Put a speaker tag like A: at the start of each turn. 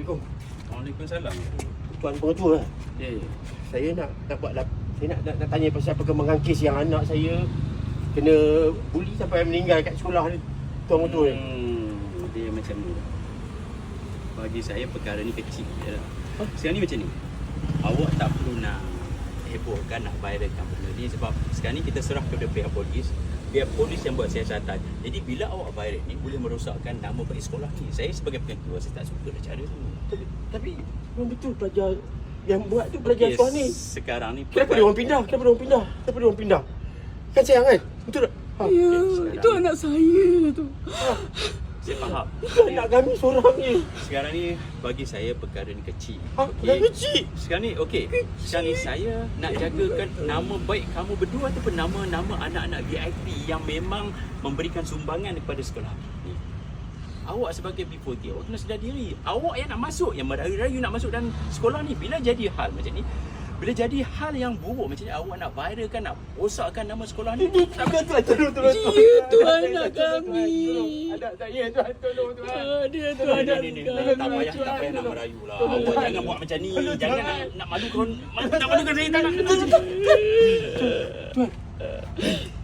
A: Assalamualaikum.
B: Waalaikumsalam.
A: Tuan pengetua.
B: Eh,
A: Saya nak buat saya nak tanya pasal perkembangan kes yang anak saya kena buli sampai meninggal kat sekolah ni. Tuan pengetua ni.
B: Dia macam ni. Bagi saya perkara ni kecil je lah. Sekarang ni macam ni. Awak tak perlu nak hebohkan, nak viralkan benda ni sebab sekarang ni kita serah kepada pihak polis. Biar polis yang buat siasatan. Jadi bila awak viral ni boleh merosakkan nama baik sekolah ni. Saya sebagai pengetua saya tak suka dah cara tu.
A: Tapi memang betul pelajar yang buat tu pelajar sekolah ni.
B: Sekarang ni
A: Kenapa dia orang pindah? Kenapa dia orang pindah? Kan sayang kan? Betul tak?
C: Ya, itu anak saya tu.
B: saya faham.
A: Itu anak kami seorang ni.
B: Sekarang ni bagi saya perkara ni kecil.
A: Dah kecil.
B: Sekarang ni okey. Sekarang ni saya nak jagakan nama baik kamu berdua ataupun nama-nama anak-anak VIP yang memang memberikan sumbangan kepada sekolah ni. Awak sebagai B40, awak kena sedar diri. Awak yang nak masuk, yang merayu-rayu nak masuk dalam sekolah ni, bila jadi hal macam ni, bila jadi hal yang buruk macam ni, awak nak viralkan, nak rosakkan nama sekolah ni.
A: Tolong.
C: Itu anak kami.
A: Anak saya tuan, tolong tuan.
C: Dia tu anak
B: Ni. Tak payah nak merayu lah. Awak jangan buat macam ni. Jangan nak malukan saya tak nak.
A: Tuan.